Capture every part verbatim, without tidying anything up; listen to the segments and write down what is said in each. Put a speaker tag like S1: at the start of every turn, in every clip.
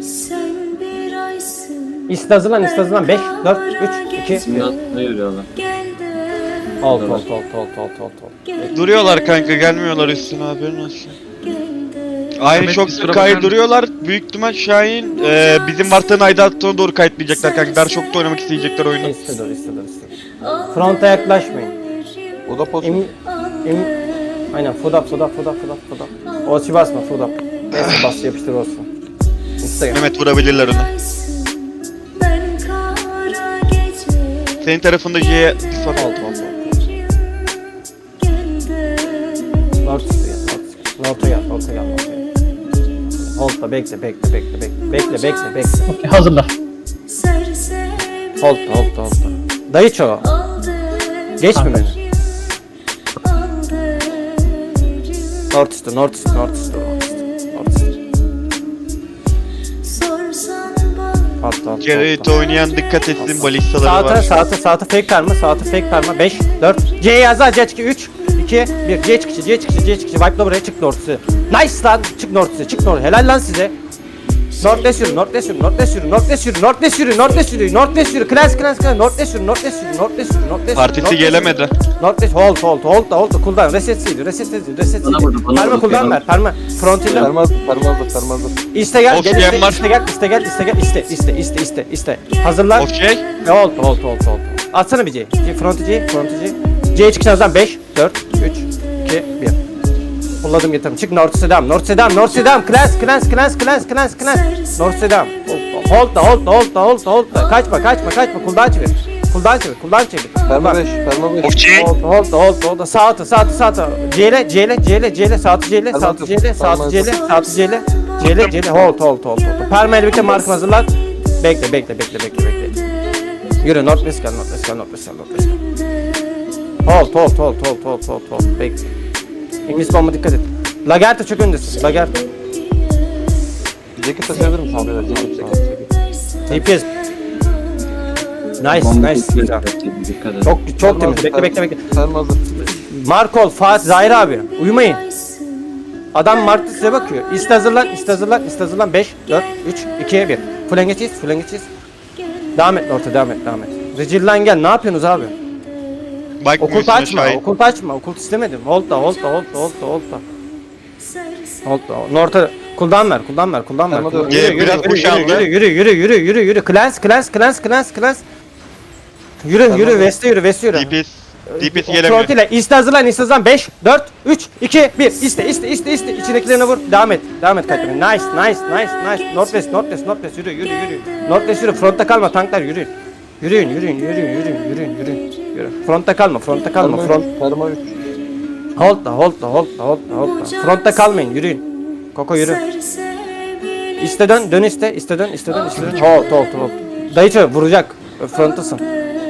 S1: İste hazırlan, iste hazırlan. beş, dört, üç, iki, bir.
S2: Ne yürüyorlar?
S1: Alt, alt, alt, alt, alt, alt, alt.
S3: Duruyorlar kanka, gelmiyorlar üstüne, haberin olsun. Aynı
S2: Ahmet,
S3: çok
S2: bir
S3: sık
S2: sıra
S3: kaydırıyorlar. Büyük ihtimal Şahin e, bizim Vartan'ın aidatına doğru kayıtlayacaklar kanka. Dar çok da oynamak isteyecekler oyunu.
S1: İste dur, iste dur, iste. Fronta yaklaşmayın.
S4: O da poz.
S1: Emin, emin. Aynen, foda, foda, foda, foda, foda. Olsi basma, foda. Neyse bas, yapıştır olsun. İste.
S3: Mehmet vurabilirler onu. Senin tarafında J'ye bir son
S1: Alt,
S3: oldu.
S1: alt, alt. North üstü gel, North. North'a gel, North'a gel, North'a gel. Hold'da bekle, bekle, bekle, bekle. Bekle, bekle, bekle.
S2: Hazırla.
S1: Hold'da, hold'da, hold'da. Dayı çoğu. Geçme beni. North üstü, North üstü, North üstü, North üstü. North üstü. Altta, altta,
S3: Gerrit
S1: altta.
S3: oynayan dikkat etsin, balistaları
S1: Sağta,
S3: var.
S1: sağta, sağta fake karma, sağta fake karma. beş, dört, C yazar, C çıkı, üç, iki, bir. C çıkışı, C çıkışı, C çıkışı. Wipe'la buraya çık North'sı. Nice lan, çık North'sı, çık North. Helal lan size. North'les yürü, North'les yürü, North'les yürü, North'les yürü, North'les yürü, North'les yürü, North'les yürü. Class, class, class. North'les yürü, North'les yürü, North'les yürü, North'les yürü.
S3: Partisi gelemedi.
S1: North'les hold, hold, hold da, hold da. Cooldown, reset sildi, reset sildi, reset sildi.
S2: Bana vurdu, bana
S1: Parma
S2: vurdu,
S1: cooldown
S2: bana
S1: ver, parma. Front'ıyla.
S4: Permaz, permazdır, permazdır.
S1: İste gel,
S3: Of,
S1: gel,
S3: diyen
S1: iste,
S3: var.
S1: iste gel, iste gel, iste gel, iste, iste, iste, iste, iste. Hazırlan.
S3: Okey.
S1: E, hold, hold, hold, hold. Atsana bir C. C front C, front C. C'ye çıkacağız lan. beş, dört, üç, iki, bir. Pulladım getirdim. Çık North Sedam, North Sedam, North Sedam. Class, class, class, class, class, class. North Sedam. Hold da, hold da, hold da, hold da, hold da. Kaçma, kaçma, kaçma. Cooldown çevir. Cooldown çevir, cooldown çevir.
S4: Perma beş, perma beş.
S3: Okey.
S1: Hold da, hold da, hold da, hold da. Sağ atı, sağ atı, sağ atı. C'yle, C'yle, C'yle, C'yle, sağ atı C'yle, sağ atı C'yle, sağ atı C'yle, sağ atı C'yle. C'yle, C'yle. Hold, hold, hold, hold. Perma ile birlikte markım hazırlan. Bekle, bekle, bekle, bekle, bekle. Yürü, Northwest gel, Northwest gel, Northwest gel, Northwest gel. Hold, hold, hold, hold, hold, hold, hold. Bekle. İngiliz bomba dikkat et. Lagerta çok öndesin, Lagerta.
S4: Ceket taşıyabilir misin abi? Ceket sana.
S1: D P S. Nice, nice. Güzel.
S2: Dikkat et.
S1: Çok, çok temiz. Bekle, bekle, bekle.
S4: Permazdır.
S1: Markol, Fatih, Zahir abi. Uyumayın. Adam Martı size bakıyor. İste hazırlan, iste hazırlan, iste hazırlan. beş, dört, üç, iki, bir. Full engeçiz, full engeçiz. Devam et North'a, devam et, devam et. Rigil'den gel, ne yapıyorsunuz abi? Okult
S3: Bakmıyorsun
S1: açma,
S3: Şahin.
S1: okult açma, okult istemedim. Hold da, hold da, hold da, hold da, hold da. Hold da, North'a, cooldown ver, cooldown ver, cooldown ver.
S4: Tamam,
S1: Yürü,
S3: dur.
S1: yürü,
S3: Biraz
S1: yürü,
S3: push
S1: yürü,
S3: aldı.
S1: yürü, yürü, yürü, yürü, yürü, yürü. Clans, clans, clans, clans, clans. Yürü, yürü, West'e yürü, West'e yürü.
S3: D P S. D P S gelemiyor.
S1: Front ile iste hazırlan, iste hazırlan. beş, dört, üç, iki, bir. İste, iste, iste, iste. İçindekilerine vur. Devam et. Devam et kaçırma. Nice, nice, nice, nice. Northwest, Northwest, Northwest. Yürü, yürü, yürü. Northwest yürü. Frontta kalma. Tanklar yürüyün. Yürüyün, yürüyün, yürüyün, yürüyün, yürüyün, yürüyün. Yürü. Frontta kalma, frontta kalma.
S4: Perma
S1: Front.
S4: üç, perma üç.
S1: Hold da, hold da, hold da, hold da, hold da. Frontta kalmayın. Yürüyün. Koko yürü. İste dön, dön iste, iste dön, iste dön, iste dön. Hold, hold, hold. Dayıcı vuracak. Frontasın.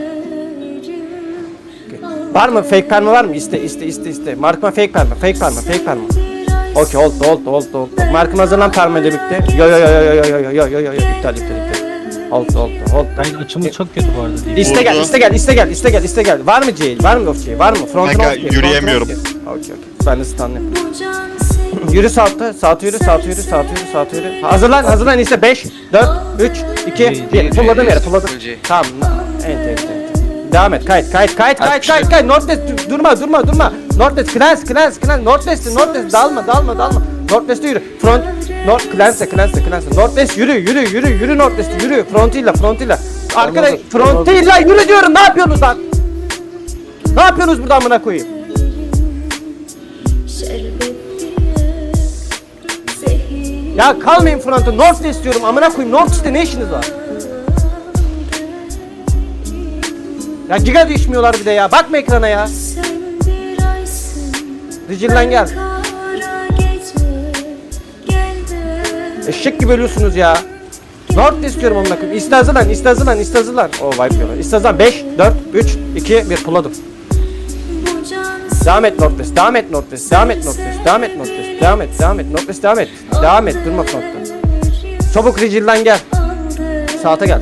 S1: Var mı? Fake perma var mı? İste, iste, iste, iste. Markma fake perma, fake perma, fake perma. Okey, hold, hold, hold, hold. Markım hazırlan perma ile birlikte. Yo yo yo yo yo yo yo yo yo yo yo. İptal, iptal, iptal. Hold, hold, hold.
S2: Ben açımız çok kötü bu arada değil.
S1: İste gel,
S3: Vurdu.
S1: iste gel, iste gel, iste gel, iste gel. Var mı C? Var mı of C? Var mı? Front'un
S3: Kanka,
S1: of C,
S3: yürüyemiyorum.
S1: front'un of C. Okey, okey. Ben de stunlayayım. Yürü sağda, sağda yürü, sağda yürü, sağda yürü, sağda yürü. Hazırlan, hazırlan iste. beş, dört, üç, iki, bir. Pulladım yere, pulladım. Tamam. Enter, enter. Devam et, kayıt, kayıt, kayıt, kayıt, kayıt, kayıt. Northwest, dur- durma, durma, durma. Northwest, clans, clans, clans. Northwest, Northwest, dalma, dalma, dalma. Northwest'e yürü. Front, North, clans'e, clans'e, clans'e. Northwest yürü, yürü, yürü, yürü Northwest, yürü. Front'ıyla, front'ıyla. Arkada,
S4: Anladım,
S1: front'ıyla yürü diyorum. Ne yapıyorsunuz lan? Ne yapıyorsunuz burada amına koyayım? Ya kalmayın frontta. Northwest diyorum. Amına koyayım. Northwest'te ne işiniz var? Ya giga düşmüyorlar bir de ya. Bakma ekrana ya. Rigil'den gel. Eşek gibi ölüyorsunuz ya. North istiyorum amına koyayım. İste hazırlan, iste hazırlan, iste hazırlan. Oo wipe yiyorlar. İste hazırlan. beş, dört, üç, iki, bir. Pulladım. Devam et Northwest, devam et Northwest, devam et Northwest, devam et Northwest, devam et, devam et Northwest, devam et. Devam et, durma frontta. Çabuk Rigil'den gel. Saate gel.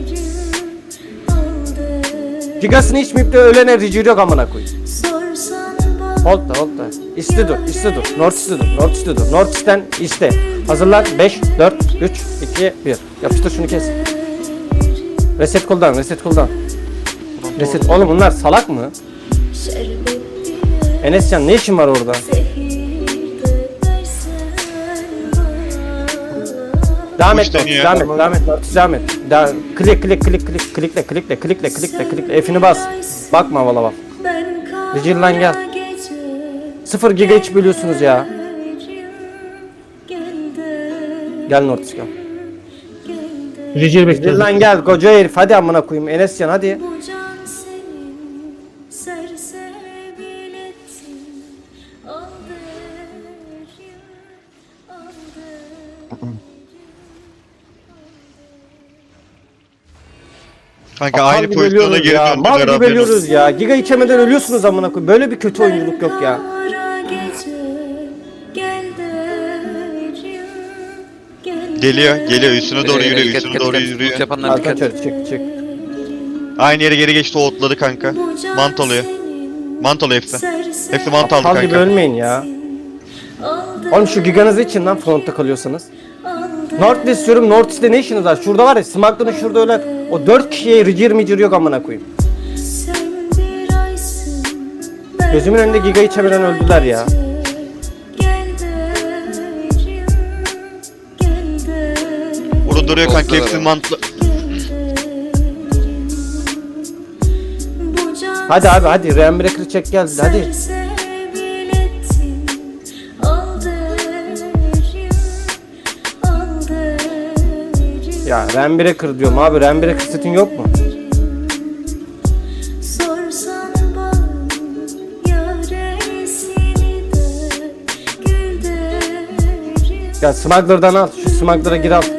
S1: Gigasını içmeyip de ölene Rigil yok amına koyayım. Hold da, hold da. İste dur, iste dur. North iste dur, North iste dur. North isten iste. Hazırlan. beş, dört, üç, iki, bir. Yapıştır şunu kes. Reset cooldown, reset cooldown. Reset. Oğlum bunlar salak mı? Enescan ne işin var orada? Devam et,
S3: Boş dönüyor.
S1: devam et, devam et, devam et. Devam. Klik, klik, klik, klik, klikle, klikle, klikle, klikle, klikle. F'ini bas. Bakma havalı bak. Rigil lan gel. Sıfır giga hiç bölüyorsunuz ya. Gel Nortis gel.
S2: Rigil
S1: Rigil
S2: bekliyoruz.
S1: lan gel koca herif hadi amına koyayım Enescan hadi.
S3: Kanka
S1: Mal
S3: aynı
S1: gibi
S3: pozisyona
S1: ölüyoruz
S3: geri
S1: ya.
S3: döndüler
S1: Mal gibi
S3: haberin olsun.
S1: ölüyoruz ya. Giga içemeden ölüyorsunuz amına koyayım. Böyle bir kötü oyunculuk yok ya.
S3: Geliyor, geliyor üstüne doğru
S5: Ee,
S3: yürüyor,
S5: dikkat,
S3: üstüne
S5: dikkat,
S3: doğru
S5: dikkat.
S3: yürüyor.
S5: Loot yapanlar
S1: Arka
S5: dikkat.
S1: çör çık çık.
S3: Aynı yere geri geçti, o otladı kanka. Mantoluyor. Mantolu hepsi. Hepsi mant aldı
S1: Aptal gibi
S3: kanka.
S1: ölmeyin ya. Oğlum şu giganızı için lan frontta kalıyorsanız. North istiyorum. North ne işiniz var? Şurada var ya Smackdown'un şurada öyle o dört kişiye ricir micir yok amına koyayım. Gözümün önünde giga içemeden öldüler ya.
S3: Orada duruyor kanka,
S5: Bozdular
S3: hepsi
S5: ama.
S3: mantlı.
S1: Hadi abi hadi Rainbreaker çek gel hadi. Ya Rainbreaker diyorum abi Rainbreaker setin yok mu? Ya Smuggler'dan al şu Smuggler'a gir al.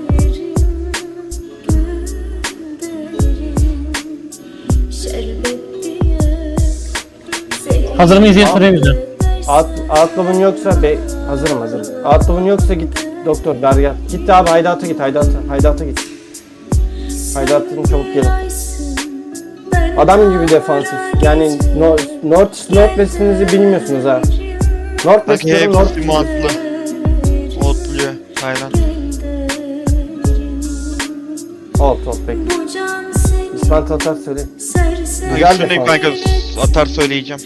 S2: Hazır mıyız diye soruyor bize.
S1: Out, outlaw'un yoksa be, hazırım hazırım. Outlaw'un yoksa git doktor ver gel. Git abi Haydat'a git Haydat'a Haydat'a git. Haydat'ın çabuk gelin. Adam gibi defansif. Yani no, North Northwest'inizi bilmiyorsunuz ha. Northwest
S3: Kanka
S1: diyorum North.
S3: hepsi mantlı. Otluyor. Aynen.
S1: Hold hold bekle. İsmail Tatar söyle. Güzel
S3: Üstündeyim
S1: defans.
S3: kanka, atar söyleyeceğim.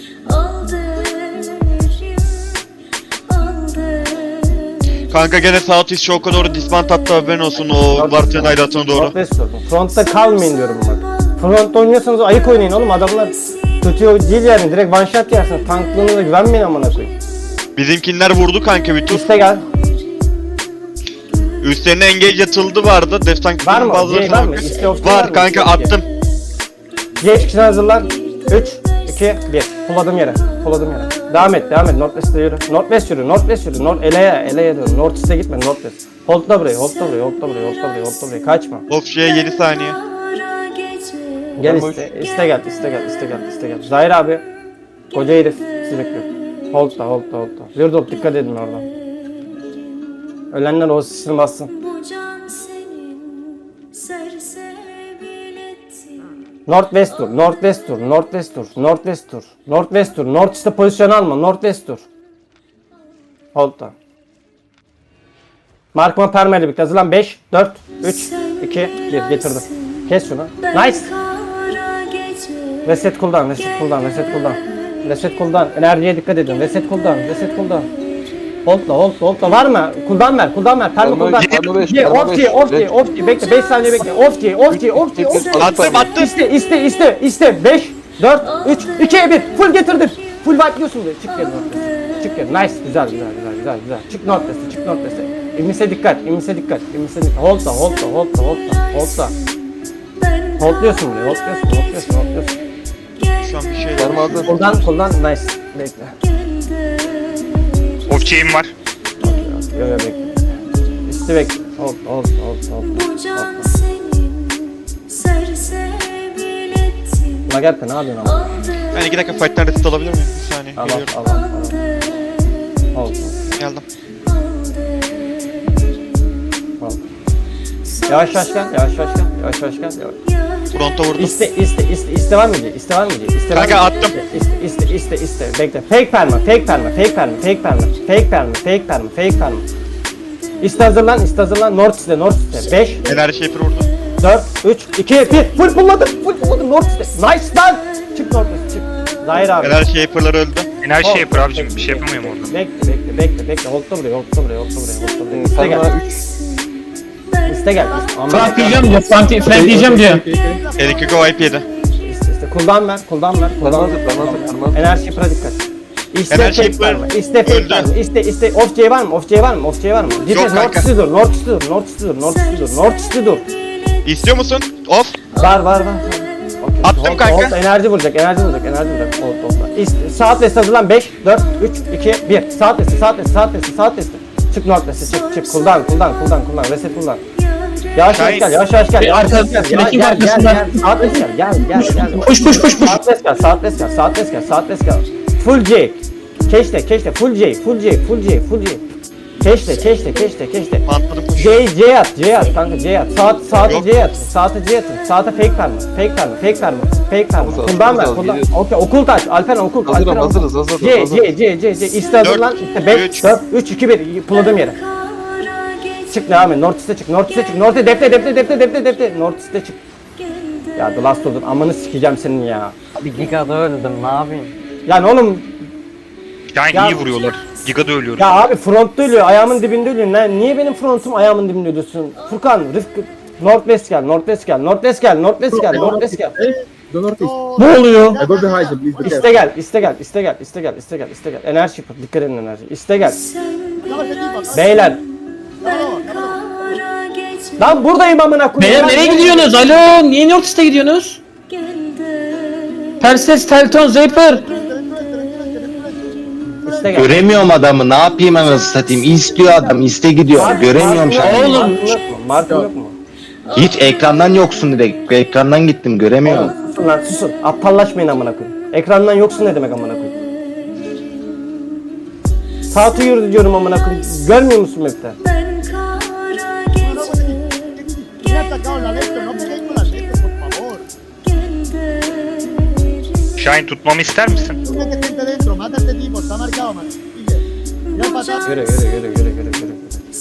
S3: Kanka gene Southeast Show'a doğru dismount attı, haberin olsun, o Vartın Aydat'ına doğru.
S1: Northwest diyorum. Frontta kalmayın diyorum bak. Frontta oynuyorsanız ayık oynayın oğlum adamlar kötü değil yani direkt one shot yersin. Tanklığınıza güvenmeyin amına koyayım.
S3: Bizimkinler vurdu kanka bir tur.
S1: İste gel.
S3: Üstlerine engage atıldı vardı. Def
S1: Var
S3: tankların
S1: mı?
S3: bazıları
S1: Şey var mı? İste of
S3: var
S1: mı?
S3: kanka,
S1: İste of
S3: attım.
S1: Geç kişini hazırlan. üç, iki, bir. Pulladım yere. Pulladım yere. Devam et, devam et. Northwest'e yürü. Northwest yürü, Northwest yürü. North, Ele'ye, Ele'ye dön. Northeast'e gitme, Northwest. Hold'la burayı, hold'la burayı, hold'la burayı, hold'la burayı, hold'la burayı. Kaçma.
S3: Of şeye yedi saniye.
S1: Gel
S4: Ben
S1: iste, iste gel, iste gel, iste gel, iste gel. Zahir abi, koca herif sizi bekliyor. Hold'la, hold'la, hold'la. Zırdop dikkat edin oradan. Ölenler o sisini bassın. Northwest dur, Northwest dur, Northwest dur, Northwest dur, Northwest dur, Northeast'e pozisyon alma, Northwest dur. Hold'da. Markman permeli birlikte hazırlan. beş, dört, üç, iki, bir getirdim. Kes şunu. Nice. Reset cooldown, reset cooldown, reset cooldown. Reset cooldown, enerjiye dikkat edin. Reset cooldown, reset cooldown. Hold'la, hold'la, hold'la var mı? Cooldown ver, cooldown ver. Perma
S4: Perma
S1: cooldown.
S4: perma beş,
S1: Ye,
S4: perma
S1: off
S4: beş.
S1: diye, off diye,
S4: Red.
S1: off diye. Bekle, beş saniye bekle. Off diye, off diye, off diye, off diye.
S3: Attım attım.
S1: İste, iste, iste, iste. beş, dört, üç, iki, bir. Full getirdim. Full wipe'liyorsun diye. Çık geri Northwest'e. Çık geri. Nice. Güzel, güzel, güzel, güzel, güzel. Çık Northwest'e, çık Northwest'e. İmmis'e dikkat, immis'e dikkat, immis'e dikkat. Hold'la, hold'la, hold'la, hold'la, hold'la. Hold'luyorsun buraya, hold'luyorsun, hold'luyorsun, hold'luyorsun.
S3: Şu an bir şey
S4: Perma hazır.
S1: Kuldan, kuldan, nice. Bekle.
S6: Of chain var.
S1: Yo yo bekle. İste bekle. Hold, hold, hold, hold. hold. Buna gel ne yapıyorsun ama?
S3: Ben iki dakika fight'tan reset alabilir miyim? Bir saniye.
S1: Al al
S3: Geliyorum.
S1: al al. Hold,
S3: Geldim.
S1: hold. Yavaş yavaş gel, yavaş yavaş gel, yavaş yavaş gel. Yavaş.
S3: Fronta vurdum.
S1: İste, iste, iste, iste var mı diye, iste var mı diye, iste var mı
S3: Kanka
S1: diye?
S3: attım.
S1: İste, iste, iste, iste, bekle. Fake perma, fake perma, fake perma, fake perma, fake perma, fake perma, fake perma. İste hazırlan, iste hazırlan. North iste, North iste. beş,
S3: Enerji Shaper vurdu.
S1: dört, üç, iki, bir. Full pulladım, full pulladım. North iste. Nice lan. Çık North iste, çık. Zahir abi.
S3: Enerji Shaper'lar öldü.
S5: Enerji
S1: Ol.
S5: şey yapıyor abicim. Bir şey yapamıyorum orada.
S1: Bekle, bekle, bekle, bekle. Hold'da buraya, hold'da buraya, hold'da buraya, hold'da buraya. İste gel.
S4: Perma üç.
S1: İste gel. Aman
S2: Frank
S1: ya.
S2: diyeceğim diyor. Frank, Frank diyeceğim diyor.
S3: Erikiko wipe yedi.
S1: İste, iste. Cooldown ver, cooldown ver.
S4: Perma
S1: Cooldown
S4: hazır,
S1: ver.
S4: perma hazır, perma hazır.
S1: Enerji pra dikkat. İste
S3: Enerji
S1: fake
S3: yapıyor.
S1: var mı? İste fake
S3: Öldü.
S1: var mı? İste, iste. Off J var mı? Off J var mı? Off J var mı? Git
S3: Yok
S1: North
S3: kanka.
S1: East'e dur, North East'e dur, North East'e dur, North East'e dur, North East'e dur.
S3: İstiyor musun? Off.
S1: Var, var, var. Okay.
S3: Attım
S1: hold,
S3: kanka.
S1: Hold, enerji vuracak, enerji vuracak, enerji vuracak. Hold, hold. İste, saat liste hazırlan. beş, dört, üç, iki, bir. Saat liste, saat liste, saat liste, saat liste. Çık North liste, çık, çık. Cooldown, cooldown, cooldown, cooldown. Reset cooldown. Yavaş yavaş
S3: Şahin.
S1: gel, yavaş yavaş gel, yavaş yavaş gel. Gel,
S2: Arka-
S1: gel, gel,
S2: arkasından.
S1: gel. Saat liste gel, gel, gel, gel.
S2: Push push push push.
S1: Saat liste gel, saat liste gel, saat liste gel, saat liste gel. Full J. Keşte, keşte, full J, full J, full J, full J. Keşte, keşte, keşte, keşte.
S3: Mantladım push.
S1: J, J at, J at kanka, J at. Saat, saate
S3: Yok.
S1: J at, saate J atın. Saate fake verme, fake verme, fake verme, fake verme.
S4: Hazır,
S1: Kuldan ver,
S4: hazır,
S1: kuldan.
S4: geliyoruz.
S1: Okey, okul taç, Alperen okul,
S4: Hazırım,
S1: Alperen okul.
S4: hazırız, hazırız,
S1: C,
S4: hazırız.
S1: C, C, C, C. İste hazırlan,
S3: Dört,
S1: işte beş,
S3: üç.
S1: dört, üç, iki, bir. Pulladım yere. Çık devam et, North East'e çık, North East'e çık, North East'e defte, defte, defte, defte, defte. North East'e çık. Ya The Last Order, amanı sikeceğim senin ya.
S6: Bir gigada öldüm ne yapayım?
S1: Yani oğlum,
S5: Yani
S1: Ya-
S5: iyi vuruyorlar. Giga da ölüyoruz.
S1: ya abi frontta ölüyor, ayağımın dibinde ölüyor. Ne, niye benim frontum ayağımın dibinde ölüyorsun? Furkan, Rıfkı, Northwest gel, Northwest gel, Northwest gel, Northwest gel, Northwest gel.
S2: Ne oluyor?
S7: I go behind you, please. Be
S1: İste gel, iste gel, iste gel, iste gel, iste gel, iste gel. Enerji yapın, dikkat edin enerji. İste gel. Beyler. Lan buradayım amına koyayım.
S2: Beyler
S1: Lan
S2: nereye gidiyorsunuz? Alo, niye North East'e gidiyorsunuz? Perses, Telton, Zaper.
S1: İste gel.
S8: Göremiyorum adamı, ne yapayım anasını satayım. İstiyor adam, iste gidiyor.
S1: Mark-
S8: Göremiyorum
S1: Mark'ın
S8: şu an.
S1: yok mu?
S2: Oğlum.
S1: Mark'ın yok mu? Mark'ın yok mu?
S8: Hiç ekrandan yoksun direkt. Ekrandan gittim, göremiyorum.
S1: Susun lan susun. Aptallaşmayın amına koyayım. Ekrandan yoksun ne demek amına koyayım? Saati yürü diyorum amına koyayım. Görmüyor musun map'te?
S7: ¿Quién ha atacado la Lecto? No peguéis con la Lecto, por favor.
S5: Şahin tutmamı ister misin?
S7: Tú mete gente dentro, mata a este tipo, está marcado, man. Sigue. Mira para atrás.
S1: Yürü yürü yürü yürü yürü yürü.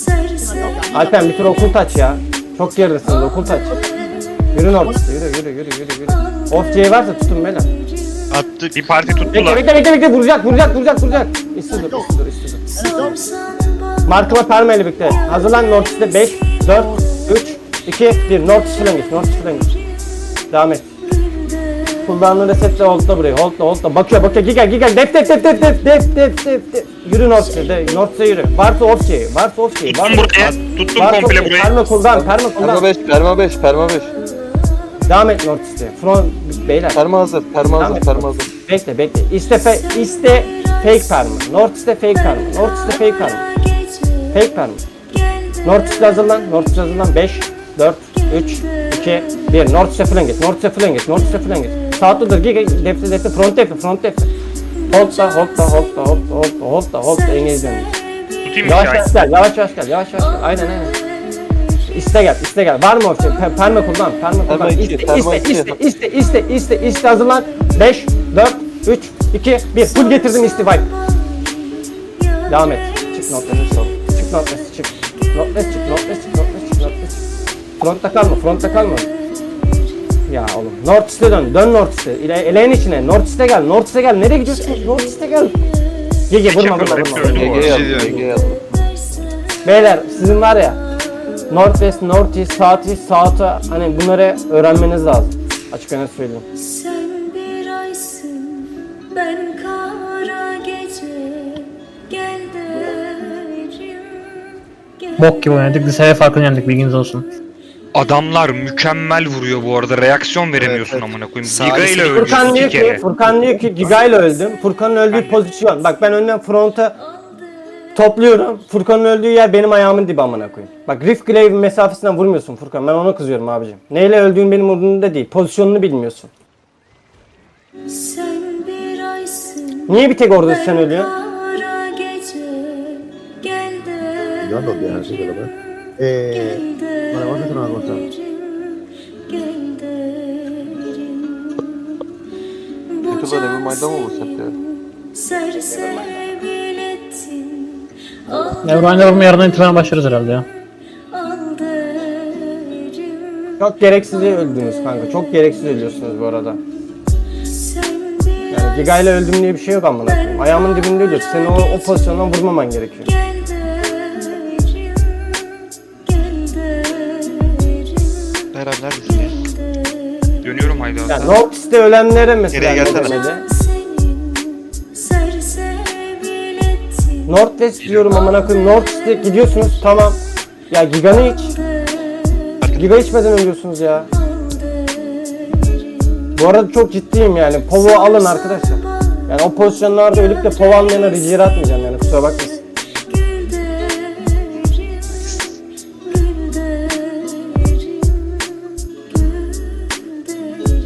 S1: Alpen bir tur okul taç ya. Çok geridesiniz okul taç. Yürün ortası yürü yürü yürü yürü yürü. Off C varsa tutun beyler.
S3: Attık.
S5: Bir parti
S1: Bekle
S5: tuttular.
S1: bekle bekle bekle vuracak vuracak vuracak vuracak. İste dur iste dur iste dur. Markıma permeyle birlikte. Hazırlan North East'e beş, dört, üç, iki, bir. North East falan geç. North East falan geç. Devam et. Cooldown'ı resetle hold'la burayı. Hold'la hold'la. Bakıyor bakıyor. Giga giga. Def def def def def def def def def. Yürü North East'e. de- North East'e yürü. Varsa off şey. Varsa off şey.
S5: Tuttum buraya. Tuttum komple burayı.
S1: Perma cooldown. Perma
S4: Perma
S1: cooldown.
S4: beş, perma beş, perma beş.
S1: Devam et North East'e. Front beyler.
S4: Perma hazır, perma hazır, perma hazır.
S1: Bekle bekle. İste fe, iste fake perma. North East'e fake perma. North East'e fake perma. Fake perma. North East'e hazırlan. North East'e hazırlan. beş, dört, üç, iki, bir. North East'e falan geç. North East'e falan geç. North East'e falan geç. Sağ dur. Giga defte defte front defte front defte. Hold da hold da hold da hold da hold da hold da hold da engel dönüyor.
S5: Tutayım mı
S1: Yavaş
S5: Şahin?
S1: yavaş gel. Yavaş yavaş gel. Yavaş yavaş gel. Aynen aynen. İste gel, iste gel. Var mı o şey? Pe- Perma kullan, perma kullan.
S4: Perma iki,
S1: İste,
S4: perma
S1: iste,
S4: iki.
S1: iste, iste, iste, iste, iste, hazırlan. beş, dört, üç, iki, bir. Full getirdim istifa. Devam et. Çık notları sol. Çık notları çık. Notları çık, notları çık, notları çık, notları çık. Frontta kalma, frontta kalma. Ya oğlum, North East'e dön, dön North East'e. İle, eleğin içine, North East'e gel, North East'e gel. Nereye gidiyorsun? North East'e gel. Gege vurma, vurma,
S5: yapıyorlar,
S1: vurma.
S5: hepsi öldü.
S4: G G yazdım, G G yazdım.
S1: Beyler sizin var ya Northwest, Northeast, Southeast, South'a hani bunları öğrenmeniz lazım. Açık öne söyleyeyim.
S9: Sen bir aysın, ben kara gece, gel derim, gel.
S2: Bok gibi oynadık. Dışarıya farkını yendik, bilginiz olsun.
S5: Adamlar mükemmel vuruyor bu arada. Reaksiyon veremiyorsun amına koyayım. Giga ile
S1: Furkan
S5: öldü
S1: diyor
S5: iki
S1: ki,
S5: kere.
S1: Furkan diyor ki Giga ile öldüm. Furkan'ın öldüğü pozisyon. Bak ben önden fronta topluyorum. Furkan'ın öldüğü yer benim ayağımın dibi amına koyayım. Bak Rift Glaive mesafesinden vurmuyorsun Furkan. Ben ona kızıyorum abicim. Neyle öldüğün benim umurumda değil. Pozisyonunu bilmiyorsun.
S9: Sen bir aysın,
S1: Niye bir tek orada sen ölüyorsun?
S9: kara gece, gel
S7: Yo ando bien, así que lo ves. Eh, vale, vamos a hacer una cosa.
S9: gel derim.
S4: YouTube'da Nevermind'da mı bu set ya?
S9: Sersebil ettin,
S2: Evren'le yapımı yarından itibaren başlarız herhalde ya.
S9: Al derim.
S1: Çok gereksiz öldünüz kanka. Çok gereksiz ölüyorsunuz bu arada.
S9: Sen bir
S1: Yani Giga ile öldüm diye bir şey yok amına koyayım. Ayağımın dibinde ölüyorsun. Senin o, o pozisyondan vurmaman gerekiyor.
S9: gel derim. Gel derim.
S3: Beren neredesin ya?
S5: Dönüyorum Haydar'a.
S1: Yani North'te ölenlere mesela
S3: Geriye
S1: ne
S3: gelsene.
S1: demedi?
S9: Senin sersebil ettin.
S1: Northwest diyorum amına koyayım. Northwest'e gidiyorsunuz tamam. Ya Giga'nı iç. Giga içmeden ölüyorsunuz ya. Bu arada çok ciddiyim yani. Povo alın arkadaşlar. Yani o pozisyonlarda ölüp de Povo almayana rica atmayacağım yani kusura bakmasın.